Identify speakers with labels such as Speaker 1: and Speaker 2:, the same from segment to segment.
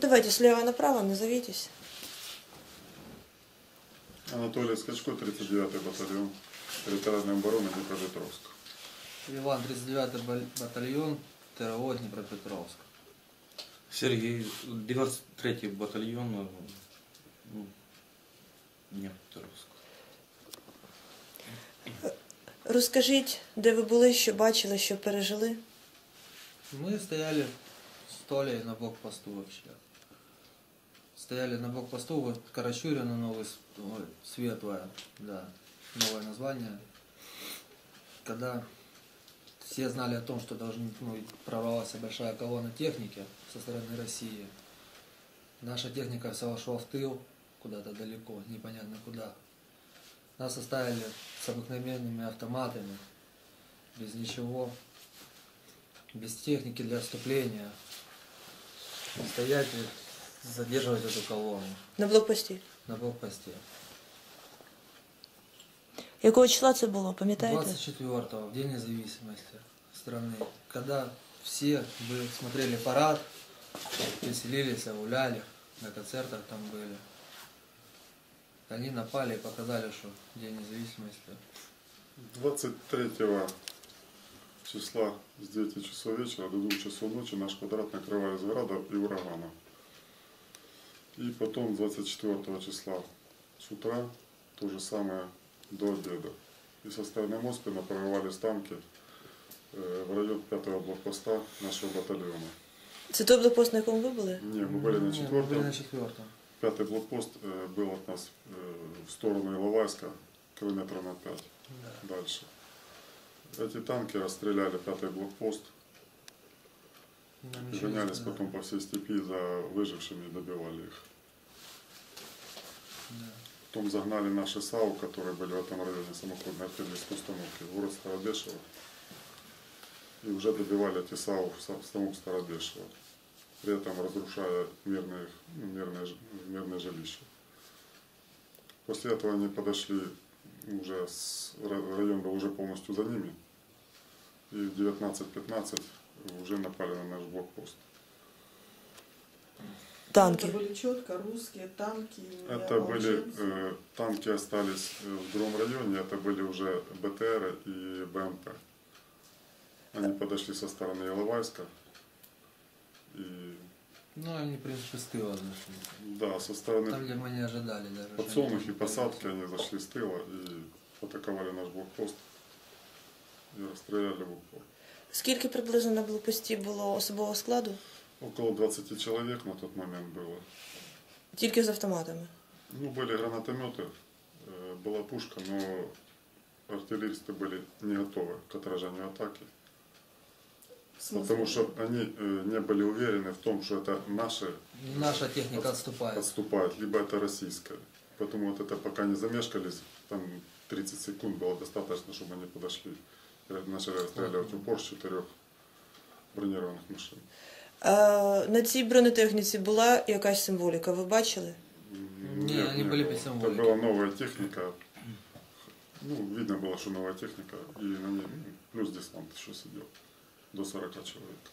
Speaker 1: давайте слева направо, назовитесь.
Speaker 2: Анатолий Скачко, 39-й батальон территориальной обороны Днепропетровск.
Speaker 3: Иван, 39-й батальон ТРО Днепропетровск.
Speaker 4: Сергей, 93-й батальон Днепропетровск.
Speaker 1: Розкажіть, де ви були, що бачили, що пережили?
Speaker 3: Мы стояли с Толей на блокпосту вообще. Стояли на блокпосту, вот Карачурина, ой, Светлая, да, новое название. Когда все знали о том, что прорвалась большая колонна техники со стороны России. Наша техника вся ушла в тыл, куда-то далеко, непонятно куда. Нас оставили с обыкновенными автоматами, без ничего, без техники для отступления. Стоять и задерживать эту колонну.
Speaker 1: На блокпості.
Speaker 3: На блокпосте.
Speaker 1: Якого числа це було, пам'ятаєте?
Speaker 3: 24-го, в День независимости страны. Когда все смотрели парад, веселились, гуляли, на концертах там были. Они напали и показали, что День независимости.
Speaker 2: 23 числа с 9 часов вечера до 2 часов ночи наш квадрат накрывали с града и урагана. И потом 24 числа с утра то же самое до обеда. И со стороны Москвы прорвались танки в район 5-го блокпоста нашего батальона.
Speaker 1: Це той блокпост, на якому ви були?
Speaker 2: Не, мы были на 4-м.
Speaker 3: Мы были на 4-м.
Speaker 2: 5-й блокпост был от нас в сторону Иловайска, километра на 5 дальше. Эти танки расстреляли 5-й блокпост и гонялись потом по всей степи за выжившими и добивали их. Потом загнали наши САУ, которые были в этом районе, самоходной артиллерийской установки, в город Старобешево. И уже добивали эти САУ в самом Старобешево, при этом разрушая мирные жилища. После этого они подошли, район был уже полностью за ними, и в 19:15 уже напали на наш блокпост.
Speaker 1: Танки.
Speaker 5: Это были четко русские танки.
Speaker 2: Это были танки остались в другом районе, это были уже БТР и БМП. Они подошли со стороны Иловайска. И...
Speaker 3: Ну, они, в принципе, с тыла зашли.
Speaker 2: Да, со стороны
Speaker 3: Там, где мы не ожидали даже.
Speaker 2: Подсолнухи, посадки, они зашли с тыла и атаковали наш блокпост и расстреляли в упор.
Speaker 1: Скільки приблизно на блокпості було особового складу?
Speaker 2: Около 20 человек на тот момент было.
Speaker 1: Тільки з автоматами?
Speaker 2: Ну, были гранатометы, была пушка, но артиллеристы были не готовы к отражению атаки. Потому что они не были уверены в том, что это
Speaker 3: наша техника отступает,
Speaker 2: либо это российская. Поэтому вот это пока не замешкались, там 30 секунд было достаточно, чтобы они подошли и начали расстреливать в упор с 4 бронированных машин.
Speaker 1: На цій бронетехніці була якась символіка, ви бачили?
Speaker 3: Нет, они были без символики.
Speaker 2: Это была новая техника. Ну, видно было, что новая техника, и на ней плюс десант еще сидел. До 40 человек.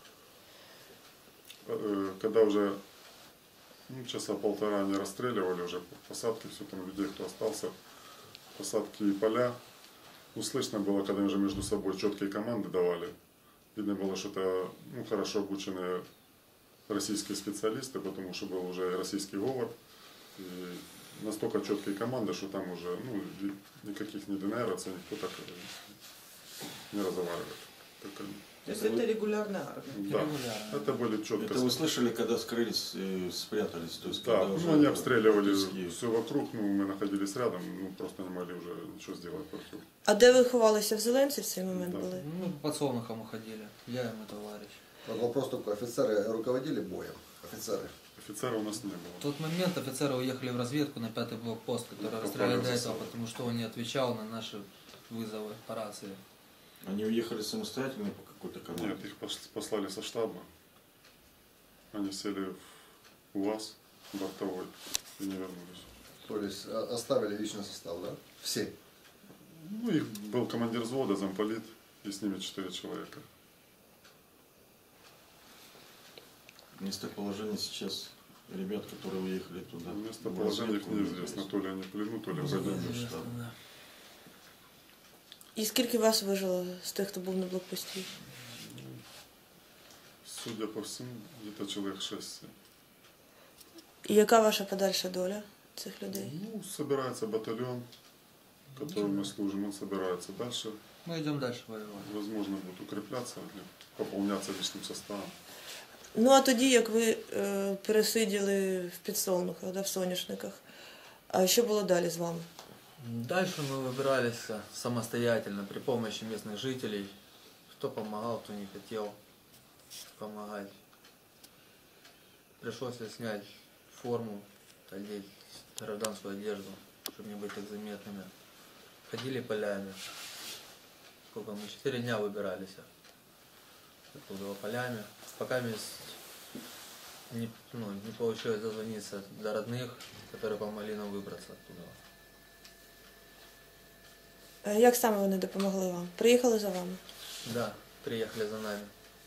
Speaker 2: Когда уже часа полтора они расстреливали уже посадки, все там людей, кто остался, посадки и поля, слышно было, когда они уже между собой четкие команды давали. Видно было, что это хорошо обученные российские специалисты, потому что был уже российский говор. И настолько четкие команды, что там уже никаких ни ДНРовцев, никто так не разговаривает.
Speaker 5: То есть это регулярная армия?
Speaker 2: Да, это были четко.
Speaker 4: Это вы слышали, когда скрылись, спрятались? То есть,
Speaker 2: да,
Speaker 4: уже
Speaker 2: они обстреливали все вокруг, мы находились рядом, просто не могли уже ничего сделать против.
Speaker 1: А де ви ховалися? В Зеленці в цей момент були?
Speaker 3: Ну, под Солнухом уходили, я и мой товарищ.
Speaker 6: Вот вопрос только, офицеры руководили боем? Офицеры?
Speaker 2: Офицера у нас не было.
Speaker 3: В тот момент офицеры уехали в разведку на 5-й блокпост, который расстреляли до этого, потому что он не отвечал на наши вызовы по рации.
Speaker 4: Они уехали самостоятельно по какой-то команде?
Speaker 2: Нет, их послали со штаба. Они сели в УАЗ бортовой и не вернулись.
Speaker 6: То есть оставили личный состав, да? Все?
Speaker 2: Ну, их был командир взвода, замполит, и с ними 4 человека.
Speaker 4: Местоположение сейчас ребят, которые уехали туда.
Speaker 2: Местоположение их неизвестно, то ли они в плену, то ли в военном штабе.
Speaker 3: Да.
Speaker 1: І скільки вас вижило з тих, хто був на блокпості?
Speaker 2: Судя по всему, где-то человек 6-7.
Speaker 1: І яка ваша подальша доля цих людей?
Speaker 2: Ну, собирается батальон, которым мы служим, он собирается дальше.
Speaker 3: Мы идем дальше воевать.
Speaker 2: Возможно, будет укрепляться, или пополняться личным составом.
Speaker 1: Ну, а тоді, як ви пересиділи в підсолнухах, да, в соняшниках, а що було далі з вами?
Speaker 3: Дальше мы выбирались самостоятельно при помощи местных жителей. Кто помогал, кто не хотел помогать. Пришлось снять форму, одеть гражданскую одежду, чтобы не быть так заметными. Ходили полями. Сколько мы? 4 дня выбирались оттуда полями. Пока не получилось дозвониться до родных, которые помогли нам выбраться оттуда.
Speaker 1: Як саме вони допомогли вам? Приїхали за вами?
Speaker 3: Да, приехали за нами.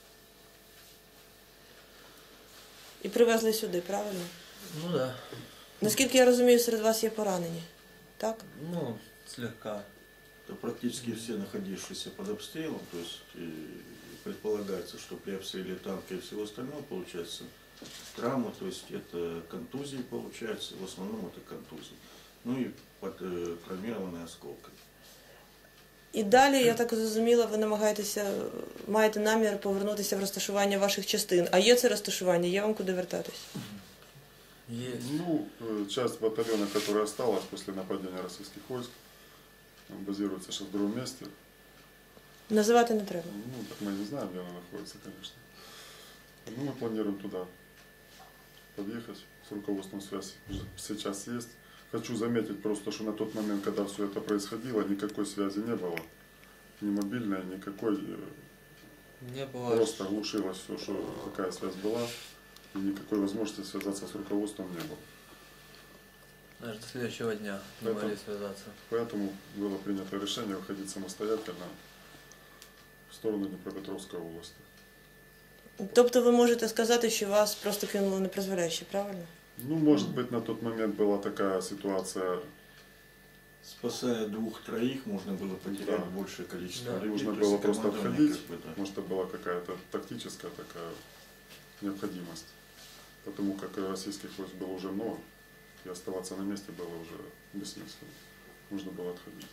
Speaker 1: І привезли сюди, правильно?
Speaker 3: Ну да.
Speaker 1: Наскільки я розумію, серед вас є поранені, так?
Speaker 3: Ну, слегка.
Speaker 4: Это практически все находившиеся под обстрелом, то есть предполагается, что при обстреле танка и всего остального получается травма, то есть это контузии получается, в основном это контузии. Ну и травмированные осколками.
Speaker 1: І далі, я так зрозуміла, ви маєте намір повернутися в розташування ваших частин. А є це розташування, є вам куди вертатись?
Speaker 3: Есть.
Speaker 2: Ну, часть батальона, которая осталась после нападения российских войск, базируется сейчас в другом месте.
Speaker 1: Називати не треба.
Speaker 2: Ну, так мы не знаем, где она находится, конечно. Ну, мы планируем туда подъехать, с руководством связи сейчас есть. Хочу заметить просто, что на тот момент, когда все это происходило, никакой связи не было. Ни мобильной, никакой.
Speaker 3: Не было.
Speaker 2: Просто глушилось все, что такая связь была. И никакой возможности связаться с руководством не было.
Speaker 3: Аж до следующего дня не
Speaker 2: Это-
Speaker 3: могли связаться.
Speaker 2: Поэтому было принято решение выходить самостоятельно в сторону Днепропетровской области.
Speaker 1: Тобто ви можете сказати, що вас просто кинули непризволяще, правильно?
Speaker 2: Ну, может быть, на тот момент была такая ситуация,
Speaker 4: Спасая 2-3, можно было потерять
Speaker 2: Да.
Speaker 4: большее количество
Speaker 3: Да.
Speaker 4: людей.
Speaker 2: нужно
Speaker 4: то есть
Speaker 2: было просто
Speaker 4: командование
Speaker 2: отходить.
Speaker 4: как бы, да.
Speaker 2: Может, это была какая-то тактическая такая необходимость. Потому как российских войск было уже много, и оставаться на месте было уже бессмысленно. Нужно было отходить.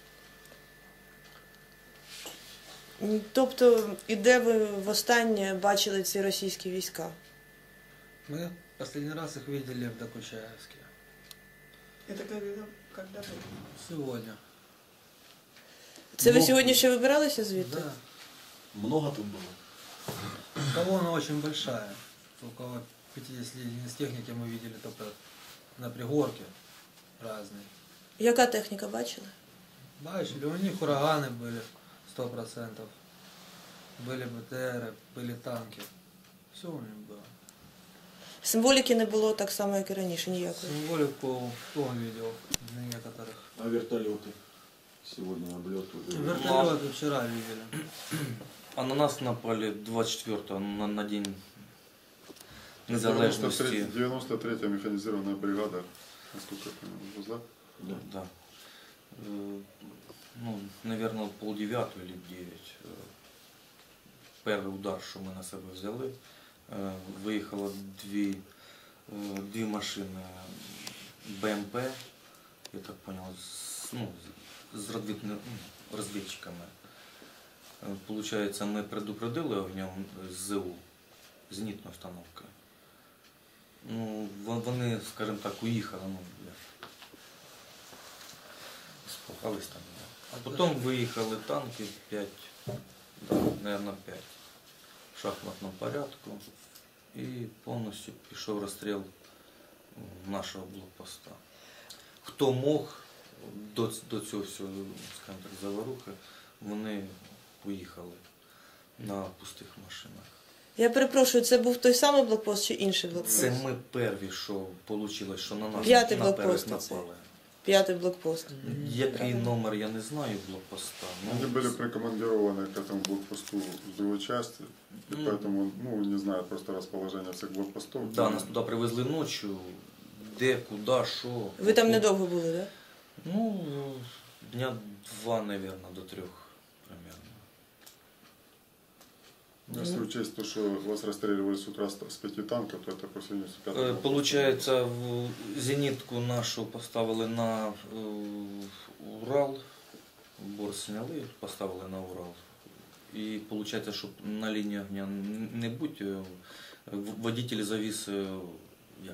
Speaker 1: Тобто, і де ви востаннє бачили ці російські війська?
Speaker 3: Мы последний раз их видели в Докучаевске.
Speaker 5: Это когда было?
Speaker 3: Сегодня.
Speaker 1: Це ви
Speaker 7: Ну,
Speaker 1: сьогодні ще вибиралися звідти?
Speaker 3: Да.
Speaker 7: Много тут было?
Speaker 3: Колонна очень большая. Около 50 единиц техники мы видели только на пригорке разные.
Speaker 1: Яка техніка бачили?
Speaker 3: Бачили, у них ураганы были 100%. Были БТРы, были танки. Все у них было.
Speaker 1: Символіки не було так само, як і раніше, ніякої.
Speaker 3: Символику он видел на некоторых.
Speaker 4: А вертолеты? Сегодня облеты.
Speaker 3: Вертолеты вчера видели.
Speaker 4: А на нас напали 24-го, на день незалежності.
Speaker 2: 93-я механизированная бригада, насколько я понимаю, да?
Speaker 4: Да. Ну, наверное, 8:30 или 9. Перший удар, що ми на себе взяли. Виїхало дві машини БМП, я так понял, з розвідчиками. Получається, ми предупредили огнем ЗУ, зенітної установки. Ну, вони, скажімо так, уїхали, спухались там. А потім виїхали танки 5, наверное, 5 в шахматному порядку. І повністю пішов розстріл нашого блокпоста. Хто мог до цього всього, скажімо так, заварухи, вони поїхали на пустих машинах.
Speaker 1: Я перепрошую, це був той самий блокпост чи інший блокпост?
Speaker 4: Це ми перві, що вийшло, що на нас
Speaker 1: П'ятий
Speaker 4: на
Speaker 1: блокпост
Speaker 4: перших
Speaker 1: оцей.
Speaker 4: напали.
Speaker 1: 5-й блокпост.
Speaker 7: Який номер, я не знаю блокпоста.
Speaker 2: Они были прикомандированы к этому блокпосту с другой части, и поэтому, ну, не знаю просто расположение всех блокпостов.
Speaker 7: Да, нас туди привезли ночі, де, куди, що.
Speaker 1: Ви там недовго були, так? Да?
Speaker 7: Ну, дня 2, наверное, до 3 примерно.
Speaker 2: Если учесть то, что вас расстреливали с утра с 5 танков, то это по сравнению с 5
Speaker 7: Получається, зенітку нашу поставили на Урал, борт зняли, поставили на Урал. І виходить, щоб на лінії огня не бути, водитель завіз як,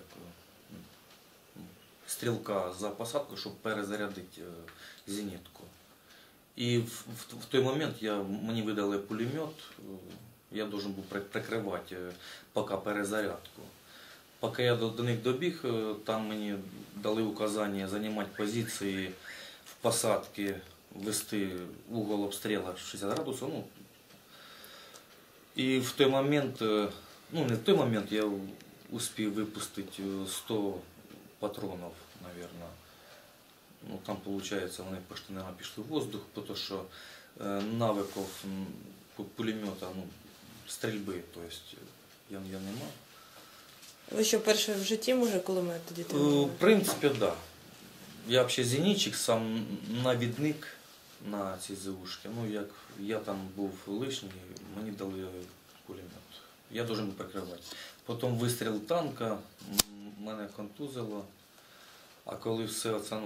Speaker 7: стрілка за посадку, щоб перезарядити зенітку. І в той момент мені видали пулемет, я должен був прикривати поки перезарядку. Поки я до них добіг, там мені дали указання займати позиції в посадці, вести угол обстрілу 60 градусів. Ну, і в той момент, ну не в той момент, я успів випустити 100 патронів, наверное. Ну, там, виходить, вони почти, наверное, пішли в воздух, тому що навиків пулемета, ну, стрільби, тобто я не мав.
Speaker 1: Ви що, перше в житті, може, кулемет тоді тримали?
Speaker 7: В принципі, так. Да. Я взагалі зенітчик, сам навідник на ці ЗУшки. Ну, як я там був лишній, мені дали пулемет. Я должен був прикривати. Потім вистріл танка, мене контузило. А коли все це,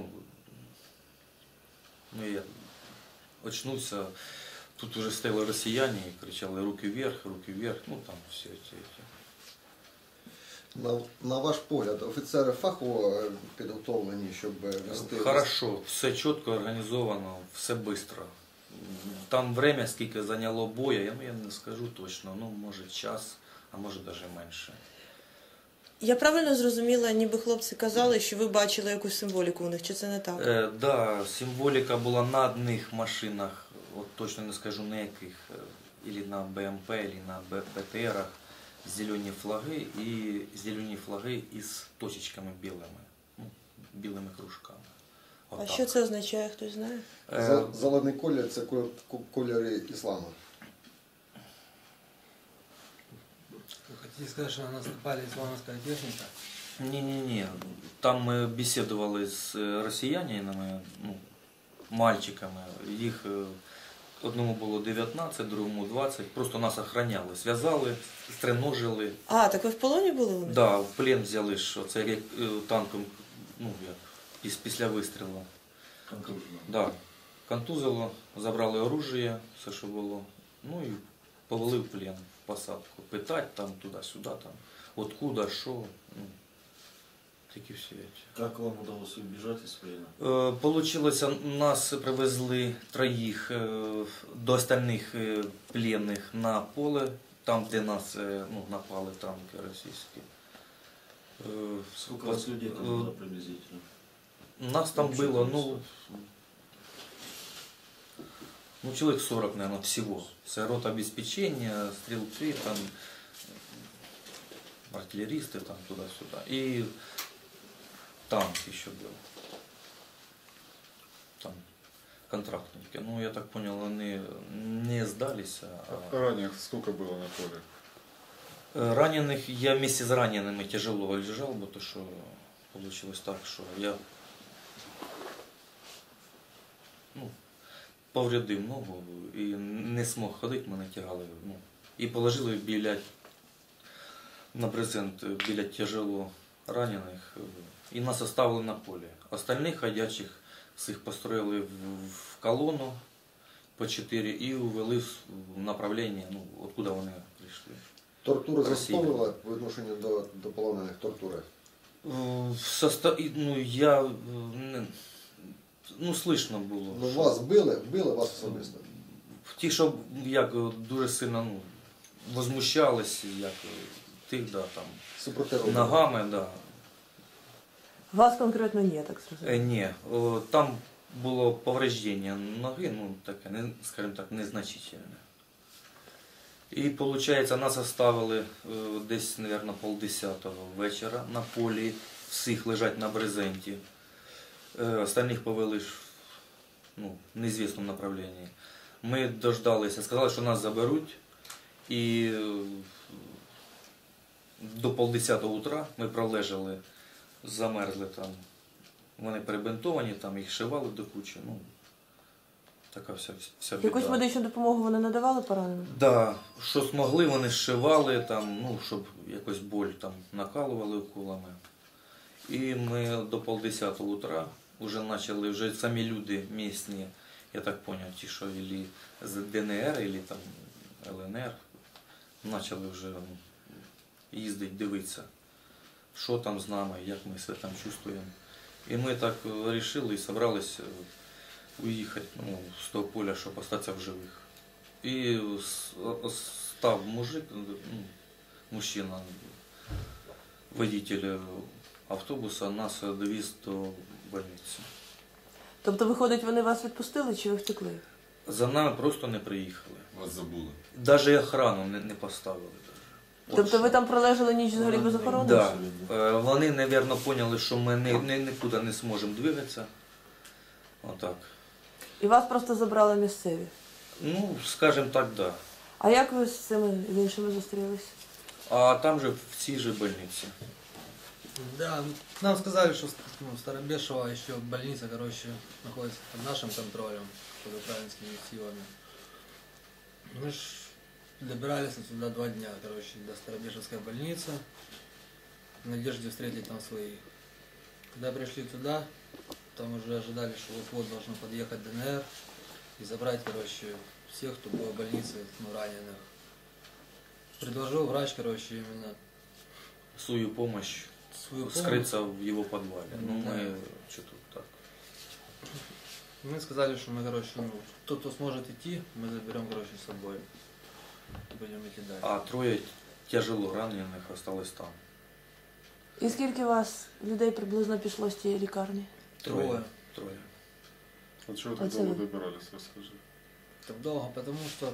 Speaker 7: ну я очнувся, тут вже стояли росіяни і кричали руки вверх, ну там все ці.
Speaker 6: На ваш погляд, офіцери фахово підготовлені, щоб вести...
Speaker 7: Хорошо, все чітко організовано, все швидко. Там время, скільки зайняло боя, я не скажу точно, ну може час, а може навіть менше.
Speaker 1: Я правильно зрозуміла, ніби хлопці казали, що ви бачили якусь символіку у них, чи це не так?
Speaker 7: Да, символіка була на одних машинах, от точно не скажу на яких, або на БМП, або на БТРах, зелені флаги із точечками білими, ну, білими кружками.
Speaker 1: А що це означає, хтось знає?
Speaker 6: Зелений колір – це кольори ісламу.
Speaker 3: Вы хотите сказать, что на нас напали исламская техника?
Speaker 7: Ні. Там ми бесідували з росіянами, ну, мальчиками. Їх одному було 19, другому 20. Просто нас охраняли, зв'язали, стреножили.
Speaker 1: А, так ви в полоні були у них?
Speaker 7: Да, в плен взяли, що це як танком, ну, як, після вистрілу. Да. Контузило, забрали оружие, все, що було. Ну і повели в плен, в посадку. Питати там, туди-сюди, там, откуда, що. Ну, такі всі речі.
Speaker 4: Как вам удалось убежать из плена?
Speaker 7: Получилось, нас привезли троїх до остальних пленних на поле, там, де нас напали танки російські.
Speaker 4: Сколько у вас людей там было приблизительно?
Speaker 7: Нас там было, человек 40, наверное, всего. Це рота обеспечения, стрелки, там, артиллеристы, там, туда-сюда. И танк еще был. Там контрактники. Ну, я так понял, они не сдались.
Speaker 2: А раненых сколько было на поле?
Speaker 7: Раненых, я вместе с ранеными тяжело лежал, потому что получилось так, что я повредив ногу і не змог ходити, мене тягали. І положили на брезент біля тяжело ранених. І нас оставили на полі. Остальних ходячих всіх построїли в колону по 4 і увели в направлення, откуда вони прийшли.
Speaker 6: Тортури застосовували по відношенню до полонених тортури?
Speaker 7: Слышно було.
Speaker 6: Ну, вас били вас особисто?
Speaker 7: Ті, що як дуже сильно возмущались, як тих, да, там, ногами, да.
Speaker 1: Вас конкретно ні, так зрозуміло?
Speaker 7: Ні, там було повреждення ноги, таке, скажімо так, незначительне. І, виходить, нас оставили десь, мабуть, 9:30 вечора на полі, всіх лежать на брезенті. Остальных повели в неизвестном направлении. Ми дождалися, сказали, що нас заберуть. І до 9:30 утра ми пролежали, замерзли там. Вони перебинтовані, там їх шивали до кучі. Така вся біда.
Speaker 1: Якусь медичну допомогу вони надавали пораненим?
Speaker 7: Да, що змогли, вони зшивали, там, щоб якось боль там накалували уколами. І ми до 9:30 утра вже почали, вже самі люди місні, я так зрозумів, ті, що ілі з ДНР, ілі там ЛНР, почали вже їздити, дивитися, що там з нами, як ми себе там чувствуємо. І ми так вирішили і зібралися уїхати з того поля, щоб залишитися в живих. І став мужик, мужчина, водитель автобуса, нас довіз до больниці.
Speaker 1: Тобто, виходить, вони вас відпустили чи ви втекли?
Speaker 7: За нами просто не приїхали.
Speaker 8: Вас забули.
Speaker 7: Навіть охрану не поставили.
Speaker 1: Тобто ви там пролежали ніч взагалі без охорони?
Speaker 7: Так. Да. Вони, мабуть, зрозуміли, що ми нікуди не зможемо двигатися. Отак.
Speaker 1: І вас просто забрали місцеві?
Speaker 7: Скажімо так, так. Да.
Speaker 1: А як ви з цими іншими зустрілися?
Speaker 7: А там же в цій же больниці.
Speaker 3: Да, нам сказали, что Старобешево еще больница, находится под нашим контролем, под украинскими силами. Мы ж добирались туда 2 дня, до Старобешевской больницы, в надежде встретить там своих. Когда пришли туда, там уже ожидали, что вот-вот должен подъехать ДНР и забрать, всех, кто был в больнице, раненых. Предложил врач, именно
Speaker 7: свою помощь. Скрыться в его подвале. Мы что-то так.
Speaker 3: Мы сказали, что мы, тот, кто сможет идти, мы заберем, с собой. Будем идти дальше.
Speaker 7: А 3 тяжело раненых осталось там.
Speaker 1: І скільки вас людей приблизно пішло з тієї лікарні?
Speaker 7: 3.
Speaker 2: А чего так долго добирались, расскажи?
Speaker 3: Так долго, потому что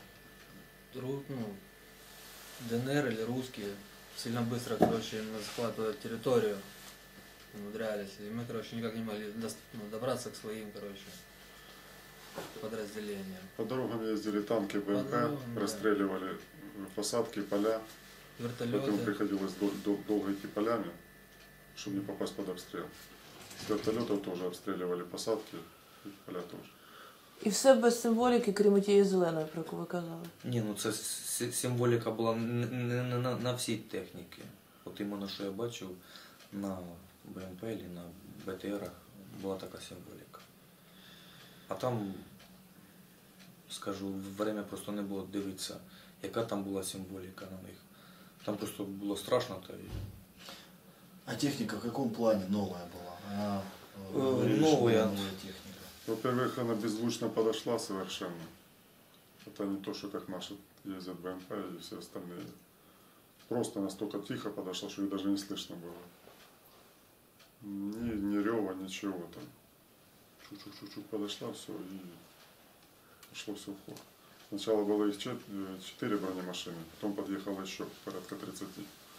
Speaker 3: ДНР или русские сильно быстро, захватывают территорию, умудрялись. И мы, никак не могли добраться к своим, подразделениям.
Speaker 2: По дорогам ездили танки, БМП, расстреливали посадки, поля.
Speaker 3: Вертолеты.
Speaker 2: Поэтому приходилось долго идти полями, чтобы не попасть под обстрел. С вертолетов тоже обстреливали посадки, и поля тоже.
Speaker 1: І все без символіки, крім тієї зеленої, про яку ви казали?
Speaker 7: Ні, це символіка була не на всій техніці. От іменно, що я бачив на БМП і на БТРах, була така символіка. А там, скажу, время просто не було дивитися, яка там була символіка на них. Там просто було страшно.
Speaker 9: А техника в каком плане новая была?
Speaker 7: Новая
Speaker 9: техника.
Speaker 2: Во-первых, она беззвучно подошла совершенно. Это не то, что как наши ездят БМП и все остальные. Просто настолько тихо подошла, что их даже не слышно было. Ни рева, ничего там. Чуть-чуть подошла, все, и пошло все в ход. Сначала было их 4 бронемашины, потом подъехало еще порядка 30.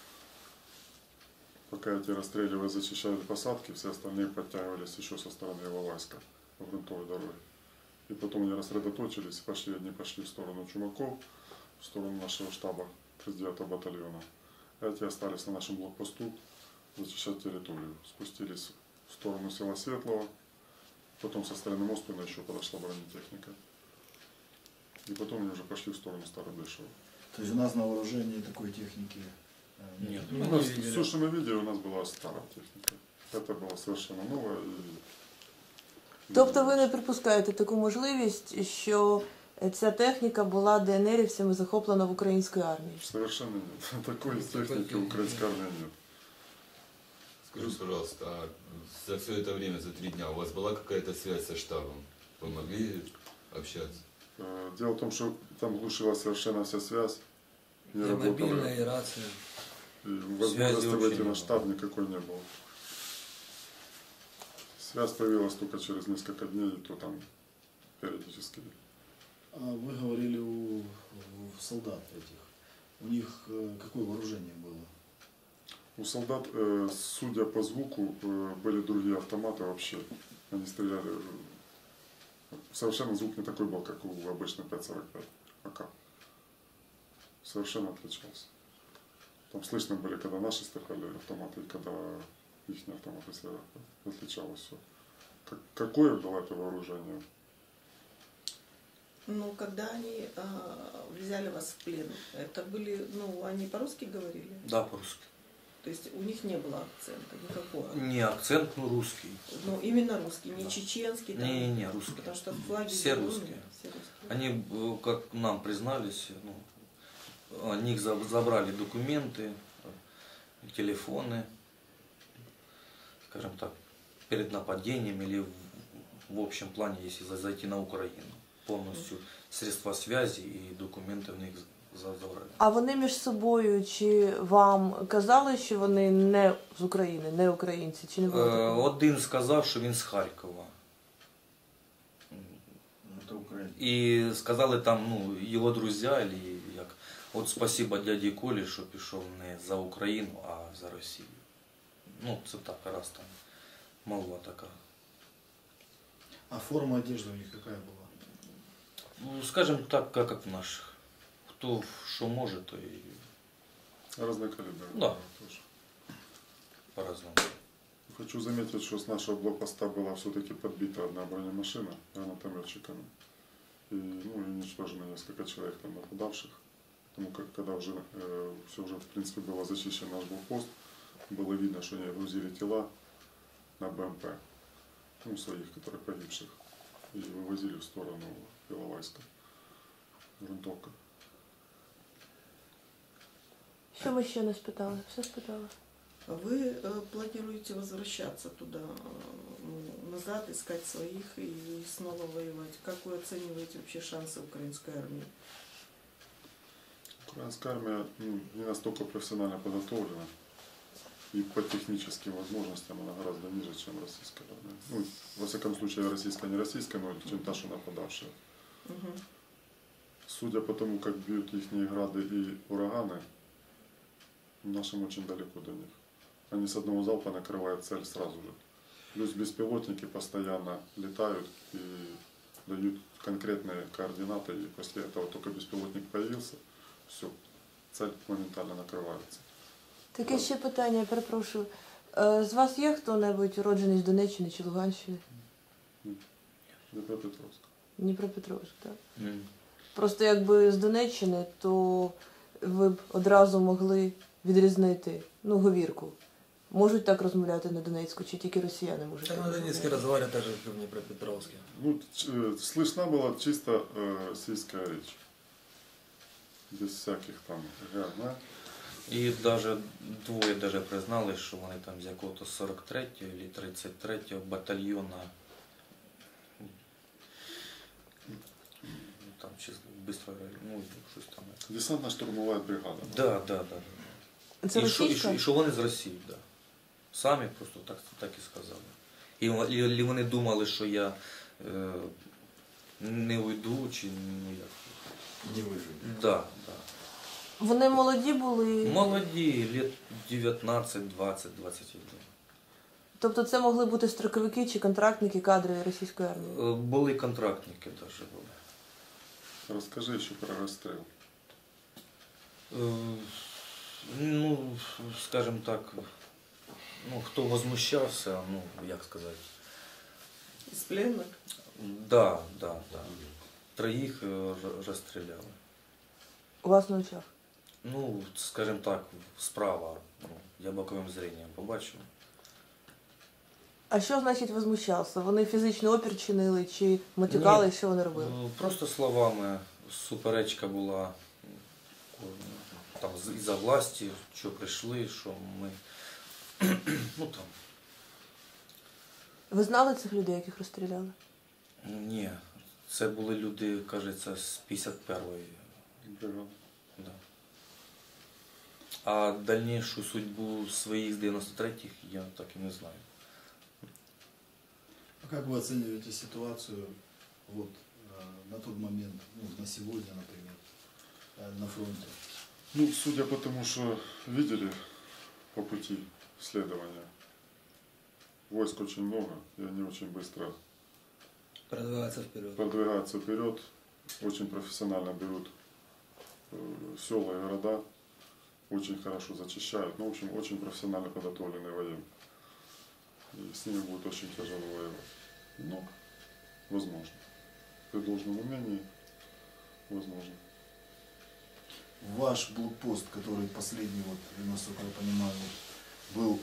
Speaker 2: Пока эти расстреливали, зачищали посадки, все остальные подтягивались еще со стороны Иловайска по грунтовой дороге. И потом они рассредоточились, одни пошли в сторону Чумаков, в сторону нашего штаба 39-го батальона. А эти остались на нашем блокпосту зачищать территорию. Спустились в сторону села Светлого, потом со стороны Моспина еще подошла бронетехника. И потом они уже пошли в сторону Старобешева.
Speaker 9: То есть у нас на вооружении такой техники
Speaker 7: нет?
Speaker 2: Все, что мы видели, у нас была старая техника. Это была совершенно новая.
Speaker 1: Тобто ви не припускаєте таку можливість, що ця техніка була ДНРівцями захоплена в українській армії?
Speaker 2: Совершенно нет. Такой техники в украинской армии нет.
Speaker 8: Скажите, пожалуйста, а за все это время, за 3 дня, у вас была какая-то связь со штабом? Вы могли общаться?
Speaker 2: Дело в том, что там глушила совершенно вся связь. Не
Speaker 3: и
Speaker 2: работала.
Speaker 3: мобильная, и рация.
Speaker 2: И возможности выйти на штаб никакой не было. Связь появилась только через несколько дней, и то там периодически.
Speaker 9: А вы говорили у солдат этих. У них какое вооружение было?
Speaker 2: У солдат, судя по звуку, были другие автоматы вообще. Они стреляли. Совершенно звук не такой был, как у обычной 5.45 АК. Совершенно отличался. Там слышно были, когда наши стреляли автоматы, и когда их автоматы стреляли. Отличалось все. Какое было это вооружение?
Speaker 5: Ну, когда они взяли вас в плен, это были, ну, они по-русски говорили?
Speaker 7: Да, по-русски.
Speaker 5: То есть у них не было акцента никакого?
Speaker 7: Не акцент, но русский.
Speaker 5: Ну, именно русский, не чеченский? Там,
Speaker 7: Не, русский.
Speaker 5: Потому что флаги
Speaker 7: Все
Speaker 5: зеленые,
Speaker 7: русские.
Speaker 5: все русские.
Speaker 7: Они, как нам признались, ну, о них забрали документы, телефоны, скажем так, перед нападением или в общем плане, если зайти на Украину. Повністю средства связи і документи в них забрали.
Speaker 1: А вони між собою чи вам казали, що вони не з України, не українці, чи не було такого?
Speaker 7: Один сказав, що він з Харкова.
Speaker 9: Это Украина.
Speaker 7: І сказали там, ну, його друзі, або як, от спасибо дяді Колі, що пішов не за Україну, а за Росію. Ну, це так, раз там молва така.
Speaker 9: А форма одежды у них какая была?
Speaker 7: Ну, скажем так, как в наших. Кто что может, то и
Speaker 2: Разные калибры.
Speaker 7: Да.
Speaker 2: Тоже.
Speaker 7: по-разному.
Speaker 2: Хочу заметить, что с нашего блокпоста была все-таки подбита одна бронемашина гранатометчиками. И, ну, уничтожено несколько человек там нападавших. Потому как когда уже все уже в принципе было зачищен наш блокпост, было видно, что они грузили тела на БМП, ну, своих, которые погибших, и вывозили в сторону Иловайска. Грунтовка.
Speaker 1: Що ми ще не спитали? Все спитали.
Speaker 5: Вы планируете возвращаться туда, ну, назад, искать своих и снова воевать? Как вы оцениваете вообще шансы украинской армии?
Speaker 2: Украинская армия, ну, не настолько профессионально подготовлена. И по техническим возможностям она гораздо ниже, чем российская армия. Ну, во всяком случае, российская не российская, но чем та, что нападавшая.
Speaker 5: Угу.
Speaker 2: Судя по тому, как бьют их грады и ураганы, нашим очень далеко до них. Они с одного залпа накрывают цель сразу же. Плюс беспилотники постоянно летают и дают конкретные координаты, и после этого только беспилотник появился, все, цель моментально накрывается.
Speaker 1: Таке ще питання, я перепрошую. З вас є хто-небудь уроджений з Донеччини чи Луганщини?
Speaker 2: Днепропетровск.
Speaker 1: Дніпропетровськ, так? Просто якби з Донеччини, то ви б одразу могли відрізнити, ну, говірку. Можуть так розмовляти на Донецьку, чи тільки росіяни можуть?
Speaker 10: Так
Speaker 1: так
Speaker 10: на Донецке
Speaker 1: розмовляти?
Speaker 10: разговаривают так же, как и в Днепропетровске.
Speaker 2: Ну, слышна была чисто российская речь. Без всяких там га.
Speaker 7: І даже двоє даже признали, що вони там з якого-то 43-го чи 33-го батальйона. Там чисто быстро, ну, щось там.
Speaker 2: Десантно-штурмовая бригада.
Speaker 7: Да.
Speaker 1: Це
Speaker 7: І
Speaker 1: російська?
Speaker 7: що вони з Росії, да. Самі просто так і сказали. І вони думали, що я не уйду, чи ну як.
Speaker 9: Не выжили.
Speaker 7: Да.
Speaker 1: Вони молоді були?
Speaker 7: Молоді, лет 19, 20, 21.
Speaker 1: Тобто це могли бути строковики чи контрактники, кадри російської армії?
Speaker 7: Були контрактники даже були.
Speaker 2: Расскажи еще про расстрел.
Speaker 7: Ну, скажем так, ну, хто возмущався, ну, як сказати.
Speaker 5: Из пленных?
Speaker 7: Да. Троїх розстріляли.
Speaker 1: У вас на очах?
Speaker 7: Ну, скажем так, справа. Ну, я боковим зренням побачив.
Speaker 1: А що значить возмущався? Вони фізичний опір чинили чи матюкали,
Speaker 7: Ні.
Speaker 1: що вони робили?
Speaker 7: Просто словами. Суперечка була там із-за власті, що прийшли, що ми. Ну там.
Speaker 1: Ви знали цих людей, яких розстріляли?
Speaker 7: Ні. Це були люди, кажеться, з 51-ї.
Speaker 2: Бригада.
Speaker 7: Да. А дальнішу судьбу своїх з 93-х я так і не знаю.
Speaker 9: А как вы оцениваете ситуацию вот, на тот момент, ну, на сегодня, например, на фронте?
Speaker 2: Ну, судя по тому, что видели, по пути следования. Войск очень много, и они очень быстро
Speaker 3: Продвигаться вперед.
Speaker 2: продвигаются вперед, очень профессионально берут села и города, очень хорошо зачищают. Ну, в общем, очень профессионально подготовленные военные. И с ними будет очень тяжело воевать. Но возможно. При должном умении возможно.
Speaker 9: Ваш блокпост, который последний, вот, насколько я понимаю, был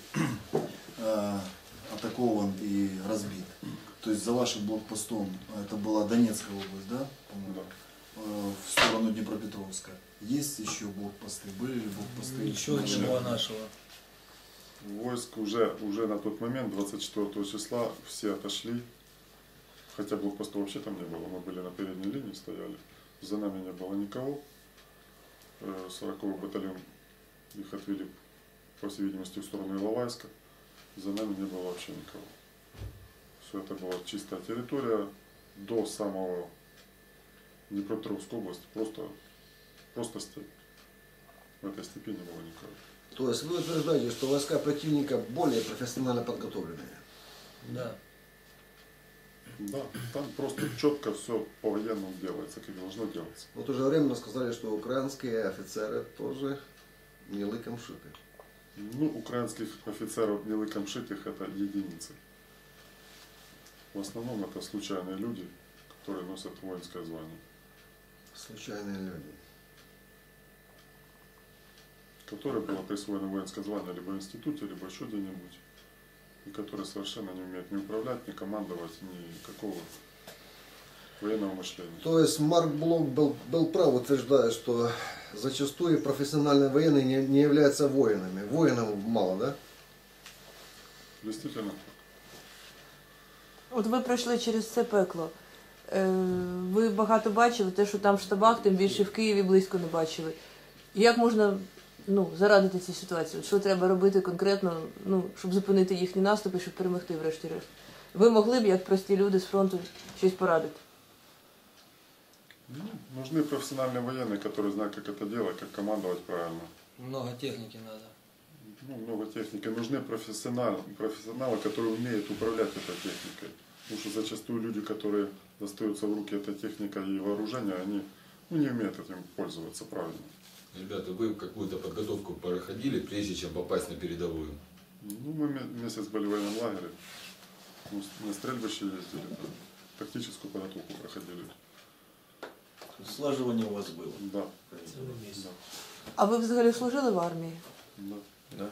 Speaker 9: атакован и разбит. То есть за вашим блокпостом, это была Донецкая область, да? По-моему?
Speaker 2: Да.
Speaker 9: В сторону Днепропетровска. Есть еще блокпосты? Были ли блокпосты?
Speaker 3: Ничего не было нашего.
Speaker 2: Войск уже на тот момент, 24 числа, все отошли. Хотя блокпоста вообще там не было. Мы были на передней линии, стояли. За нами не было никого. 40-й батальон их отвели, по всей видимости, в сторону Иловайска. За нами не было вообще никого. Все это была чистая территория. До самого Днепропетровской области просто степь. В этой степи не было никого.
Speaker 6: То есть вы утверждаете, что войска противника более профессионально подготовленные?
Speaker 3: Да.
Speaker 2: Да, там просто четко все по-военному делается, как должно делаться.
Speaker 6: В то же время сказали, что украинские офицеры тоже не лыком шиты.
Speaker 2: Ну, украинских офицеров не лыком шитых это единицы. В основном это случайные люди, которые носят воинское звание.
Speaker 6: Случайные люди.
Speaker 2: Которое было присвоено воинское звание либо в институте, либо еще где-нибудь. И которые совершенно не умеют ни управлять, ни командовать, никакого военного мышления.
Speaker 6: То есть Марк Блок был прав, утверждая, что зачастую профессиональные военные не являются воинами. Воинов мало, да?
Speaker 2: Действительно.
Speaker 1: От ви пройшли через це пекло. Ви багато бачили, те, що там в штабах, тим більше в Києві близько не бачили. Як можна зарадити цій ситуації? Що треба робити конкретно, щоб зупинити їхні наступи, щоб перемогти врешті-решт? Ви могли б, як прості люди з фронту, щось порадити?
Speaker 2: Нужны профессиональные военные, которые знают, как это делать, как командовать правильно.
Speaker 3: Много техники надо.
Speaker 2: Много техники. Нужны профессионалы, которые умеют управлять этой техникой. Потому что зачастую люди, которые достаются в руки этой техникой и вооружения, они не умеют этим пользоваться правильно.
Speaker 8: Ребята, вы какую-то подготовку проходили, прежде чем попасть на передовую?
Speaker 2: Мы месяц были в военном лагере, на стрельбище ездили, тактическую подготовку проходили.
Speaker 4: Слаживание у вас было.
Speaker 2: Да. Да.
Speaker 1: А ви взагалі служили в армії?
Speaker 2: Да.
Speaker 7: Да.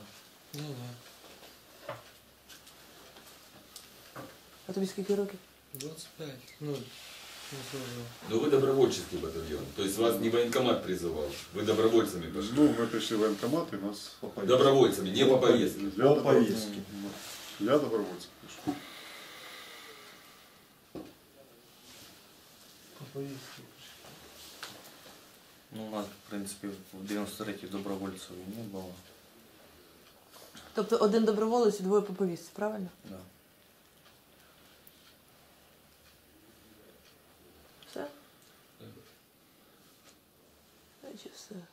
Speaker 1: А тобі скільки років?
Speaker 3: 25. Ну, не служил.
Speaker 8: Но вы добровольческий батальон, то есть вас не военкомат призывал, вы добровольцами пошли.
Speaker 2: Мы пришли в военкомат и нас...
Speaker 8: Добровольцами, не по повестке.
Speaker 2: Я
Speaker 4: По повестке.
Speaker 2: Я добровольцем пришел.
Speaker 7: Ну, у нас, в принципі, в 93-й добровольців не було.
Speaker 1: Тобто один доброволець і двоє по повістці, правильно?
Speaker 7: Да.
Speaker 1: Все? Значить, все.